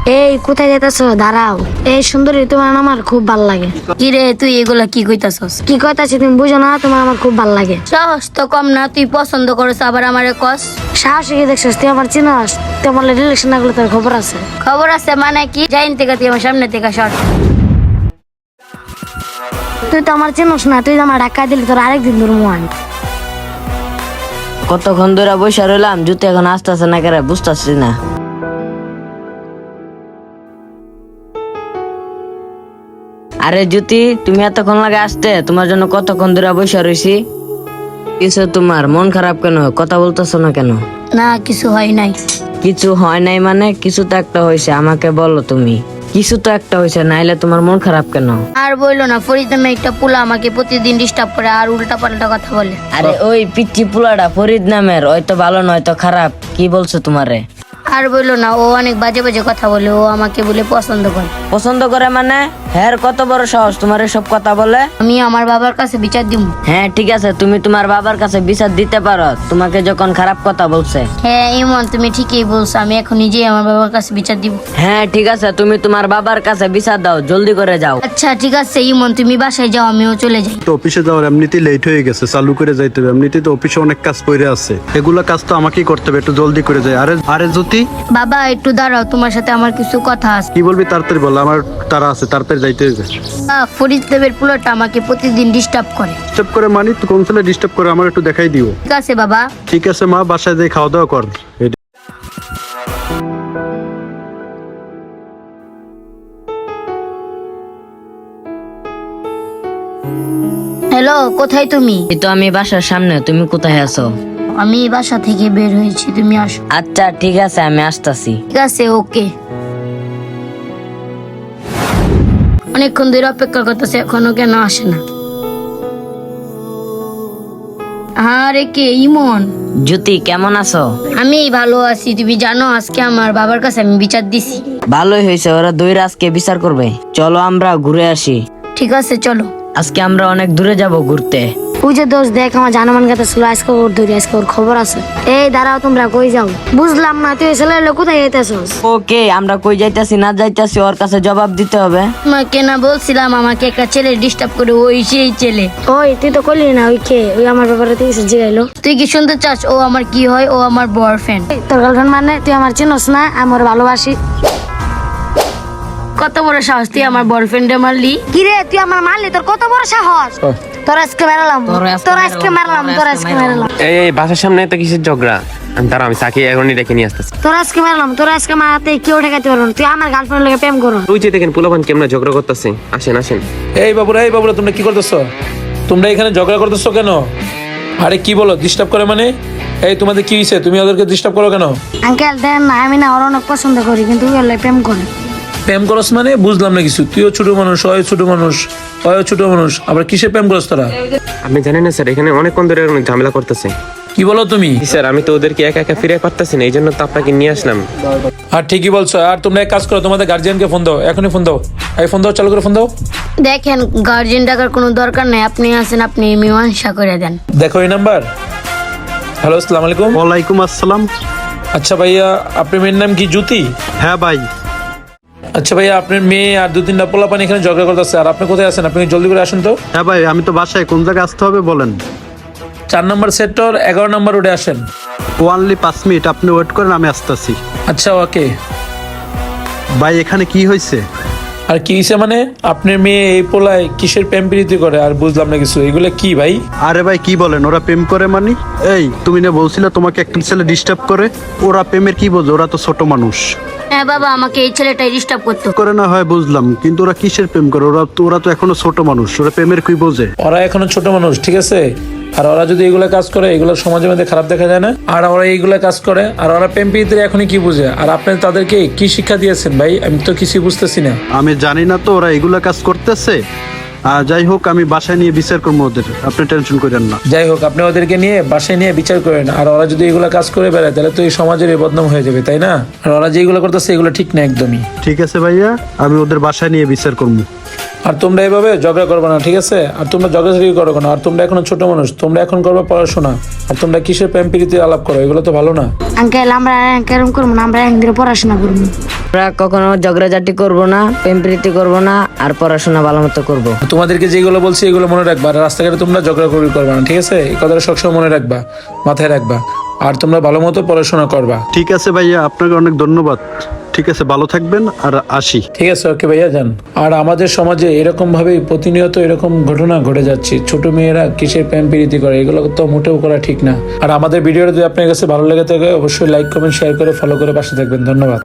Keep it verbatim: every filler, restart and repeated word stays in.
এই কোথায় যেতেছো? দাঁড়াও। এই সুন্দরী, তোমার আমার খুব ভালো লাগে। কি রে তুই এগুলা কি কইতাছস? কি কইতাছি তুমি বুঝো না? তোমার আমার খুব ভালো লাগে। সাহস তো কম না, তুই পছন্দ করছ আবার আমারে কস। সাহসী কি দেখছিস? তুই আমার চিনস? তোমার রিলেশন না করলে তোর খবর আছে? খবর আছে মানে কি? যাইন থেকে তুই আমার সামনে থেকে সর। তুই তো আমার চিনস না, তুই তো আমার ধাক্কা দিলি, তোর আরেকদিন তোর মন। কতক্ষণ ধরে বসে রইলাম, জুতো এখন আসতেছে না কেন বুঝতেছি না। আরে জ্যোতি, তুমি এতক্ষণ লাগে আসতে? তোমার জন্য কতক্ষণ ধরে বসে রইছি। কিছু তোমার মন খারাপ কেন? কথা বলতেছো না কেন? না কিছু হয় নাই। কিছু হয় নাই মানে? কিছু তো একটা হয়েছে, আমাকে বলো তুমি। কিছু তো একটা হয়েছে, নাইলে তোমার মন খারাপ কেন? আর বললো না, ফরিদ নামে একটা পোলা আমাকে প্রতিদিন ডিস্টার্ব করে আর উল্টা পাল্টা কথা বলে। আরে ওই পিচ্চি পুলাটা ফরিদ নামের, ওই তো ভালো নয় তো খারাপ। কি বলছো তোমারে? আর বললো না, ও অনেক বাজে বাজে কথা বলে, ও আমাকে বলে পছন্দ করে। পছন্দ করে মানে? হ্যাঁ, কত বড় সাহস তোমার সব কথা বলে? আমি আমার বাবার কাছে বিচার দিব। হ্যাঁ ঠিক আছে, তুমি তোমার বাবার কাছে বিচার দিতে পারো, তোমাকে যখন খারাপ কথা বলছে। হ্যাঁ ইমন, তুমি ঠিকই বলছো, আমি এখন নিজেই আমার বাবার কাছে বিচার দিব। হ্যাঁ ঠিক আছে, তুমি তোমার বাবার কাছে বিচার দাও, জলদি করে যাও। আচ্ছা ঠিক আছে ইমন, তুমি বাসায় যাও, আমিও চলে যাই। তো অফিসে যাওয়ার এমনিতেই লেট হয়ে গেছে, চালু করে যাইতে হবে। এমনিতেই তো অফিসে অনেক কাজ পড়ে আছে, এগুলো কাজ তো আমাকেই করতে হবে, একটু জলদি করে যাই। আরে আরে জ্যোতি, বাবা একটু দাঁড়াও, তোমার সাথে আমার কিছু কথা আছে। কি বলবি? তাড়াতাড়ি বল, আমার তারা আছে, তাড়াতাড়ি যাইতে হবে। আহ, ফরিদ দেবের পোলাটা আমাকে প্রতিদিন ডিস্টার্ব করে। ডিস্টার্ব করে মানি? তো কোন ছেলে ডিস্টার্ব করে আমার একটু দেখাই দিও। ঠিক আছে বাবা। ঠিক আছে মা, বাসায় যাই খাওয়া দাওয়া কর। এই- হ্যালো, কোথায় তুমি? এই তো আমি বাসার সামনে, তুমি কোথায় আছো? আমি বাসা থেকে বের হয়েছি, তুমি আসো। আচ্ছা ঠিক আছে, আমি আসতাছি। ঠিক আছে ওকে। অনেকক্ষণ ধরে অপেক্ষা করতেছে, এখনো কেন আসে না? আরে কে? ইমন। জ্যোতি কেমন আছো? আমি ভালো আছি, তুমি জানো আজকে আমার বাবার কাছে আমি বিচার দিছি। ভালোই হয়েছে, ওরা দুই আজকে বিচার করবে। চলো আমরা ঘুরে আসি। ঠিক আছে চলো। আজকে আমরা অনেক দূরে যাব ঘুরতে। ওই যে দোষ দেখ, আমার জানমান কথা ছিল, আজকে ওর ধরি, আজকে ওর খবর আছে। এই দাঁড়াও, তোমরা কই যাও? বুঝলাম না, তুই ছেলে হলে কোথায় যেতেছস? ওকে, আমরা কই যাইতাছি না যাইতাছি ওর কাছে জবাব দিতে হবে। তোমাকে না বলছিলাম আমাকে একটা ছেলে ডিস্টার্ব করে, ওই সেই ছেলে। ওই তুই তো করলি না, ওই কে? ওই আমার ব্যাপারে তুই কিছু জিগাইলো? তুই কি শুনতে চাস ও আমার কি হয়? ও আমার বয়ফ্রেন্ড। তোর গার্লফ্রেন্ড মানে? তুই আমার চিনস না? আমি ওর ভালোবাসি। কত বড় সাহস, তুই আমার বয়ফ্রেন্ডে মারলি? কি রে, তুই আমার মারলি? তোর কত বড় সাহস! তোর আজকে মারলাম, তোর আজকে মারলাম, তোর আজকে মারলাম, এই এই বাসার সামনে তো কিসের ঝগড়া? আমি দাঁড়া, আমি সাকি এখনই ডেকে নিয়ে আসতেছি। তোর আজকে মারলাম, তোর আজকে মারাতে কেউ ঠেকাতে পারবো না। তুই আমার গার্লফ্রেন্ড লোকে প্রেম করো। তুই যে দেখেন পোলাপান কেমন ঝগড়া করতেছে। আসেন আসেন। এই বাবুরা, এই বাবুরা, তোমরা কি করতেছো? তোমরা এখানে ঝগড়া করতেছো কেন? আরে কি বলো ডিস্টার্ব করে মানে? এই তোমাদের কি হয়েছে? তুমি ওদেরকে ডিস্টার্ব করো কেন? আঙ্কেল দেন না, আমি না ওর অনেক পছন্দ করি, কিন্তু ওই হলে প্রেম করে। প্রেম করস মানে? বুঝলাম না কিছু। তুইও ছোট মানুষ, ওই ছোট মানুষ, ওই ছোট মানুষ, আবার কিসে প্রেম করস তোরা? আপনি জানেন না স্যার, এখানে অনেকক্ষণ ধরে অনেক ঝামেলা করতেছে। কি বলো তুমি? জি স্যার, আমি তো ওদেরকে একা একা ফিরে পারতেছি না, এই জন্য তো আপনাকে নিয়ে আসলাম। আর ঠিকই বলছো। আর তোমরা এক কাজ করো, তোমাদের গার্জিয়ানকে ফোন দাও, এখনই ফোন দাও। এই ফোন দাও, চালু করে ফোন দাও। দেখেন, গার্জেন ডাকার কোনো দরকার নাই, আপনি আছেন, আপনি মীমাংসা করে দেন। দেখো এই নাম্বার। হ্যালো, আসসালামু আলাইকুম। ওয়ালাইকুম আসসালাম। আচ্ছা ভাইয়া, আপনার মেয়ের নাম কি? জ্যোতি? হ্যাঁ ভাই। আচ্ছা ভাইয়া, আপনার মেয়ে আর দু তিনটা পোলাপান এখানে ঝগড়া করতেছে, আর আপনি কোথায় আছেন? আপনি জলদি করে আসুন তো। হ্যাঁ ভাই, আমি তো বাসায়। কোন জায়গায় আসতে হবে বলেন? চার নম্বর সেক্টর, এগারো নম্বর রোডে আসেন। ওয়ানলি পাঁচ মিনিট আপনি ওয়েট করেন, আমি আসতেছি। আচ্ছা ওকে। ভাই এখানে কি হয়েছে? আর কি হয়েছে মানে? আপনার মেয়ে এই পোলায় কিসের প্রেম প্রীতি করে? আর বুঝলাম না কিছু, এগুলো কি ভাই? আরে ভাই কি বলেন, ওরা প্রেম করে মানি? এই তুমি না বলছিলে তোমাকে একটা ছেলে ডিস্টার্ব করে? ওরা প্রেমের কি বোঝে? ওরা তো ছোট মানুষ। হ্যাঁ বাবা, আমাকে এই ছেলেটাই ডিস্টার্ব করতো। করে না হয় বুঝলাম, কিন্তু ওরা কিসের প্রেম করে? ওরা তো ওরা তো এখনো ছোট মানুষ, ওরা প্রেমের কি বোঝে? ওরা এখনো ছোট মানুষ, ঠিক আছে? আর ওরা যদি এগুলো কাজ করে, এগুলো সমাজের মধ্যে খারাপ দেখা যায় না? আর ওরা এইগুলো কাজ করে, আর ওরা প্রেম প্রীতির এখনই কি বুঝে? আর আপনি তাদেরকে কি শিক্ষা দিয়েছেন ভাই? আমি তো কিছু বুঝতেছি না। আমি জানি না তো ওরা এগুলা কাজ করতেছে। আর যাই হোক, আমি বাসায় নিয়ে বিচার করবো ওদের, আপনি টেনশন করেন না। যাই হোক, আপনি ওদেরকে নিয়ে বাসায় নিয়ে বিচার করেন। আর ওরা যদি এগুলো কাজ করে বেড়ায়, তাহলে তো এই সমাজের এই বদনাম হয়ে যাবে, তাই না? আর ওরা যেগুলো করতেছে এগুলো ঠিক না একদমই। ঠিক আছে ভাইয়া, আমি ওদের বাসায় নিয়ে বিচার করবো। আর তোমরা এইভাবে ঝগড়া করবে না, ঠিক আছে? আর তোমরা ঝগড়াঝাড়ি করো কেন? আর তোমরা এখনো ছোট মানুষ, তোমরা এখন করবে পড়াশোনা। আর তোমরা কিসের প্রেম প্রীতি আলাপ করো? এগুলো তো ভালো না। আঙ্কেল আমরা কেরম করবো না, আমরা একদিনে পড়াশোনা করবো। আমরা কখনো ঝগড়াঝাটি করবো না, প্রেম প্রীতি করবো না, আর পড়াশোনা ভালো মতো করবো। তোমাদেরকে যেগুলো বলছি এগুলো মনে রাখবা, আর রাস্তাঘাটে তোমরা ঝগড়া করবি করবা না, ঠিক আছে? এই কথাটা সবসময় মনে রাখবা, মাথায় রাখবা, আর তোমরা ভালো মতো পড়াশোনা করবা। ঠিক আছে ভাইয়া, আপনাকে অনেক ধন্যবাদ। ঠিক আছে, ভালো থাকবেন, আর আসি। ঠিক আছে, ওকে ভাইয়া, যান। আর আমাদের সমাজে এরকম ভাবে প্রতিনিয়ত এরকম ঘটনা ঘটে যাচ্ছে, ছোট মেয়েরা কিসের প্রেম প্রীতি করে, এগুলো তো মোটেও করা ঠিক না। আর আমাদের ভিডিওটা যদি আপনার কাছে ভালো লেগে থাকে অবশ্যই লাইক কমেন্ট শেয়ার করে ফলো করে পাশে থাকবেন। ধন্যবাদ।